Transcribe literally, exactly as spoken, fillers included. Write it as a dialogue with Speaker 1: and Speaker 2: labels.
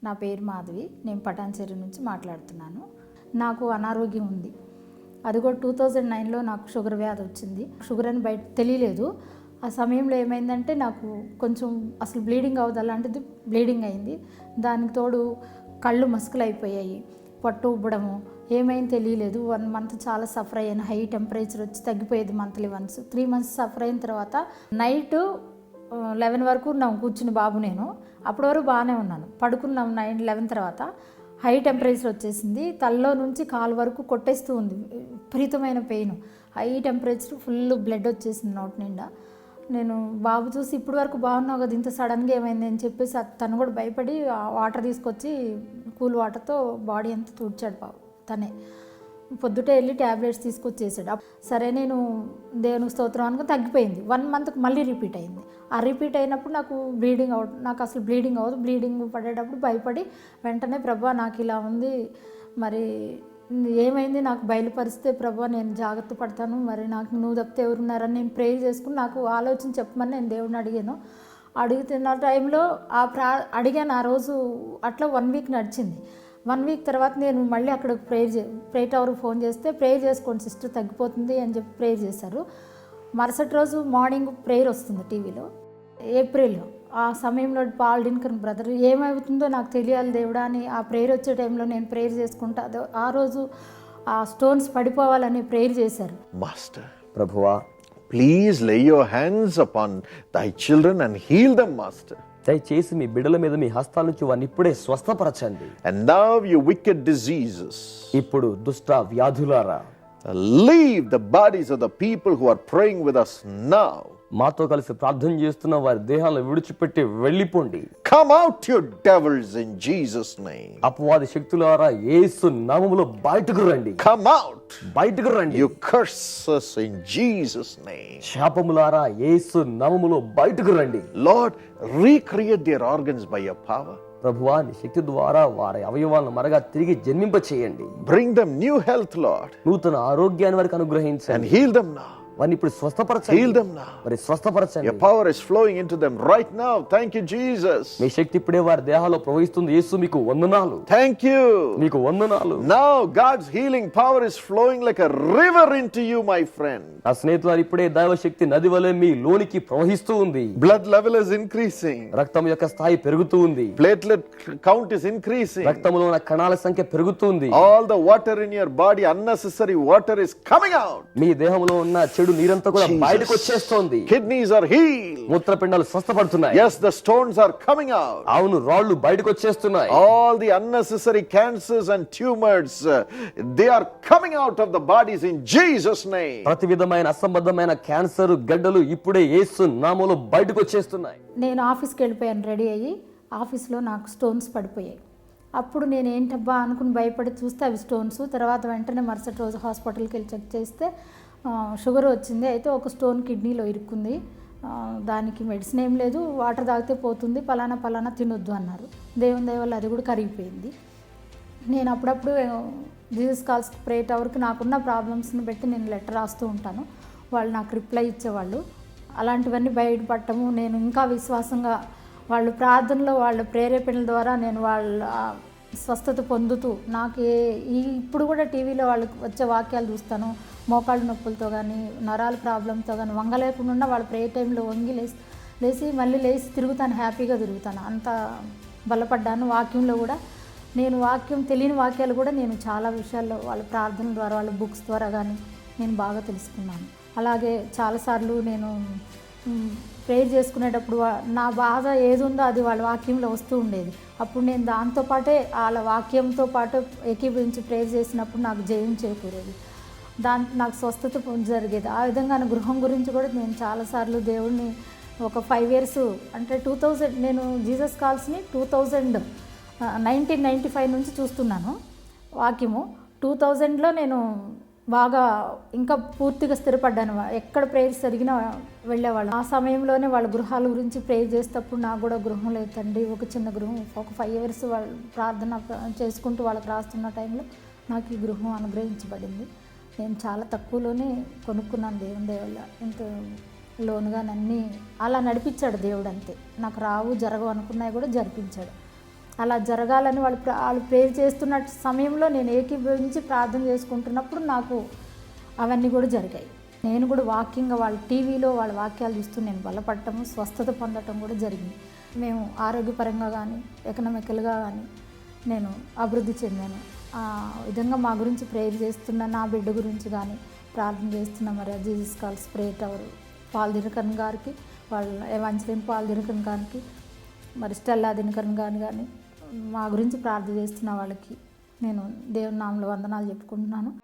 Speaker 1: నా పేరు మాధవి. నేను పటాన్చెరు నుంచి మాట్లాడుతున్నాను. నాకు అనారోగ్యం ఉంది. అది కూడా టూ థౌజండ్ నైన్లో నాకు షుగర్ వ్యాధి వచ్చింది. షుగర్ అని బయట తెలియలేదు. ఆ సమయంలో ఏమైందంటే నాకు కొంచెం అసలు బ్లీడింగ్ అవ్వదు, అలాంటిది బ్లీడింగ్ అయింది. దానికి తోడు కళ్ళు మసుకలు అయిపోయాయి, పొట్ట ఉబ్బడము, ఏమైంది తెలియలేదు. వన్ మంత్ చాలా సఫర్ అయ్యాను. హై టెంపరేచర్ వచ్చి తగ్గిపోయేది monthly once. Three months suffer అయిన తర్వాత నైట్ లెవెన్ వరకు ఉన్నాం కూర్చుని బాబు నేను. అప్పటి వరకు బాగానే ఉన్నాను. పడుకున్నాం నైన్ లెవెన్ తర్వాత హై టెంపరేచర్ వచ్చేసింది. తలలో నుంచి కాలు వరకు కొట్టేస్తూ ఉంది. విపరీతమైన pain, high temperature, full blood వచ్చేసింది నోటి నిండా. నేను బాబు చూసి ఇప్పటి వరకు బాగున్నావు కదా, ఇంత సడన్గా ఏమైంది అని చెప్పేసి తను కూడా భయపడి వాటర్ తీసుకొచ్చి కూల్ వాటర్తో బాడీ అంతా తుడిచాడు బాబు తనే. పొద్దుటే వెళ్ళి ట్యాబ్లెట్స్ తీసుకొచ్చేసాడు. సరే నేను దేవునికి స్తోత్రం అనుకుని తగ్గిపోయింది. వన్ మంత్కి మళ్ళీ రిపీట్ అయింది. ఆ రిపీట్ అయినప్పుడు నాకు బ్లీడింగ్ అవ నాకు అసలు బ్లీడింగ్ అవ్వదు. బ్లీడింగ్ పడేటప్పుడు భయపడి వెంటనే ప్రభా నాకు ఇలా ఉంది, మరి ఏమైంది నాకు బయలుపరిస్తే ప్రభా నేను జాగ్రత్త పడతాను, మరి నాకు నువ్వు తప్పితే ఎవరున్నారని నేను ప్రేయర్ చేసుకుని నాకు ఆలోచన చెప్పమని నేను దేవుడిని అడిగాను. అడుగుతున్న టైంలో ఆ ప్రా అడిగాను ఆ రోజు. అట్లా వన్ వీక్ నడిచింది. వన్ వీక్ తర్వాత నేను మళ్ళీ అక్కడ ప్రేయర్ చే ప్రేయర్ టవర్కి ఫోన్ చేస్తే ప్రేయర్ చేసుకోండి సిస్టర్ తగ్గిపోతుంది అని చెప్పి ప్రేయర్ చేశారు. మరుసటి రోజు మార్నింగ్ ప్రేయర్ వస్తుంది టీవీలో, ఏప్రిల్. ఆ సమయంలో పాల్ డిన్కన్ బ్రదర్ ఏమవుతుందో నాకు తెలియాలి దేవుడా అని ఆ ప్రేయర్ వచ్చే టైంలో నేను ప్రేయర్ చేసుకుంటా ఆ రోజు ఆ స్టోన్స్ పడిపోవాలని ప్రేయర్ చేశారు.
Speaker 2: మాస్టర్, ప్రభువా, please lay your hands upon thy children and heal them master.
Speaker 3: దయచేసి మీ బిడ్డల మీద మీ హస్తాల నుంచి వారిని ఇప్పుడే స్వస్థపరచండి.
Speaker 2: And now you wicked diseases,
Speaker 3: ఇప్పుడు దుష్ట వ్యాధులారా,
Speaker 2: leave the bodies of the people who are praying with us now.
Speaker 3: మాతో కలిసి ప్రార్థన చేస్తున్న వారి దేహాలను విడిచిపెట్టి వెళ్ళిపోండి.
Speaker 2: Come out, you devils, in Jesus' name.
Speaker 3: అపవాది శక్తులారా యేసు నామములో బయటకు రండి.
Speaker 2: Come out,
Speaker 3: బయటకు రండి.
Speaker 2: you curses, in Jesus' name.
Speaker 3: శాపములారా యేసు నామములో బయటకు రండి.
Speaker 2: Lord, recreate their organs by your power.
Speaker 3: ప్రభువా నీ శక్తి ద్వారా వారి అవయవాలను మరగా తిరిగి జన్మింప చేయండి.
Speaker 2: Bring them new health, Lord,
Speaker 3: నూతన ఆరోగ్యాన్ని వారికి
Speaker 2: and
Speaker 3: అనుగ్రహించండి.
Speaker 2: heal them now.
Speaker 3: వారిని ఇప్పుడు స్వస్థపరచండి.
Speaker 2: Heal them now.
Speaker 3: మరి స్వస్థపరచండి.
Speaker 2: Your power is flowing into them right now. Thank you, Jesus.
Speaker 3: మీ శక్తి ఇప్పుడే వారి దేహాల్లో ప్రవహిస్తుంది. యేసు మీకు వందనాలు.
Speaker 2: Thank you.
Speaker 3: మీకు వందనాలు.
Speaker 2: Now God's healing power is flowing like a river into you, my friend.
Speaker 3: నా స్నేహితులారు, ఇప్పుడే దైవ శక్తి నది వలె మీ లోనికి ప్రవహిస్తూ ఉంది.
Speaker 2: Blood level is increasing.
Speaker 3: రక్తం యొక్క స్థాయి పెరుగుతూ ఉంది.
Speaker 2: Platelet count is increasing.
Speaker 3: రక్తంలో ఉన్న కణాల సంఖ్య పెరుగుతుంది.
Speaker 2: All the water in your body, unnecessary water, is coming out.
Speaker 3: మీ దేహంలో ఉన్న చెడు నీరంతా కూడా బయటకు వచ్చేస్తోంది.
Speaker 2: Kidneys are healed.
Speaker 3: మూత్రపిండాలు స్వస్థపడుతున్నాయి.
Speaker 2: Yes, the stones are coming out.
Speaker 3: అవును, రాళ్ళు బయటకు వచ్చేస్తున్నాయి.
Speaker 2: All the unnecessary cancers and tumors, uh, they are coming out of the bodies in Jesus' name.
Speaker 3: ప్రతి విధమైన అసంబద్ధమైన క్యాన్సర్ గడ్డలు ఇప్పుడే యేసు నామములో బయటకు వచ్చేస్తున్నాయి.
Speaker 1: నేను ఆఫీస్కి వెళ్ళిపోయాను రెడీ అయ్యి. ఆఫీస్లో నాకు స్టోన్స్ పడిపోయాయి. అప్పుడు నేను ఏంటబ్బా అనుకుని భయపడి చూస్తే అవి స్టోన్స్. తర్వాత వెంటనే మరుసటి రోజు హాస్పిటల్కి వెళ్ళి చెక్ చేస్తే షుగర్ వచ్చింది. అయితే ఒక స్టోన్ కిడ్నీలో ఇరుక్కుంది. దానికి మెడిసిన్ ఏం లేదు, వాటర్ తాగితే పోతుంది, పలానా పలానా తినొద్దు అన్నారు. దేవుని దయ వల్ల అది కూడా కరిగిపోయింది. నేను అప్పుడప్పుడు జీసస్ కాల్స్ ప్రే టవర్కి నాకున్న ప్రాబ్లమ్స్ని బట్టి నేను లెటర్ రాస్తూ ఉంటాను. వాళ్ళు నాకు రిప్లై ఇచ్చేవాళ్ళు. అలాంటివన్నీ బయటపడటము, నేను ఇంకా విశ్వాసంగా వాళ్ళు ప్రార్థనలో వాళ్ళ ప్రేరేపణల ద్వారా నేను వాళ్ళ స్వస్థత పొందుతూ నాకు ఏ ఈ ఇప్పుడు కూడా టీవీలో వాళ్ళకి వచ్చే వాక్యాలు చూస్తాను. మోకాళ్ళ నొప్పులతో కానీ నరాల ప్రాబ్లంతో కానీ వంగలేకుండా వాళ్ళ ప్రే టైంలో వంగి లేసి లేచి మళ్ళీ లేచి తిరుగుతాను, హ్యాపీగా తిరుగుతాను. అంత బలపడ్డాను. వాక్యంలో కూడా నేను వాక్యం తెలియని వాక్యాలు కూడా నేను చాలా విషయాల్లో వాళ్ళ ప్రార్థన ద్వారా వాళ్ళ బుక్స్ ద్వారా కానీ నేను బాగా తెలుసుకున్నాను. అలాగే చాలాసార్లు నేను ప్రేయర్ చేసుకునేటప్పుడు నా బాధ ఏది ఉందో అది వాళ్ళ వాక్యంలో వస్తూ ఉండేది. అప్పుడు నేను దాంతోపాటే వాళ్ళ వాక్యంతో పాటు ఏకీభవించి ప్రేయర్ చేసినప్పుడు నాకు జయం చేకూరేది. దాంట్లో నాకు స్వస్థత జరిగేది. ఆ విధంగా నా గృహం గురించి కూడా నేను చాలాసార్లు దేవుడిని ఒక ఫైవ్ ఇయర్స్ అంటే టూ థౌజండ్ నేను జీసస్ కాల్స్ని two thousand nineteen ninety five నుంచి చూస్తున్నాను వాక్యము. టూ థౌజండ్లో నేను బాగా ఇంకా పూర్తిగా స్థిరపడ్డాను. ఎక్కడ ప్రేయర్స్ జరిగినా వెళ్ళేవాళ్ళు. ఆ సమయంలోనే వాళ్ళ గృహాల గురించి ప్రేయర్ చేసేటప్పుడు నాకు కూడా గృహం లేదు తండ్రి, ఒక చిన్న గృహం. ఒక ఫైవ్ ఇయర్స్ వాళ్ళు ప్రార్థన చేసుకుంటూ వాళ్ళకి రాస్తున్న టైంలో నాకు ఈ గృహం అనుగ్రహించబడింది. నేను చాలా తక్కువలోనే కొనుక్కున్నాను దేవుని దయ వల్ల. ఇంత లోనుగా నన్ని అలా నడిపించాడు దేవుడు. అంతే, నాకు రావు జరగవు అనుకున్నాయి కూడా జరిపించాడు. అలా జరగాలని వాళ్ళు ప్ర- వాళ్ళు ప్రేర్ చేస్తున్న సమయంలో నేను ఏకీభవించి ప్రార్థన చేసుకుంటున్నప్పుడు నాకు అవన్నీ కూడా జరిగాయి. నేను కూడా వాక్యంగా వాళ్ళ టీవీలో వాళ్ళ వాక్యాలు చూస్తూ నేను బలపడటము, స్వస్థత పొందటం కూడా జరిగింది. మేము ఆరోగ్యపరంగా కానీ ఎకనామికల్గా కానీ నేను అభివృద్ధి చెందాను. ఆ విధంగా మా గురించి ప్రేయర్ చేస్తున్న నా బిడ్డ గురించి కానీ ప్రార్థన చేస్తున్న మరి Jesus calls prayer tower Paul Dinakaran గారికి, వాళ్ళ ఎవాంజలిన్ పాల్ దినకరన్ గారికి, మరి స్టెల్లా దినకరన్ గారిని కానీ మా గురించి ప్రార్థన చేస్తున్న వాళ్ళకి నేను దేవుని నామములో వందనాలు చెప్పుకుంటున్నాను.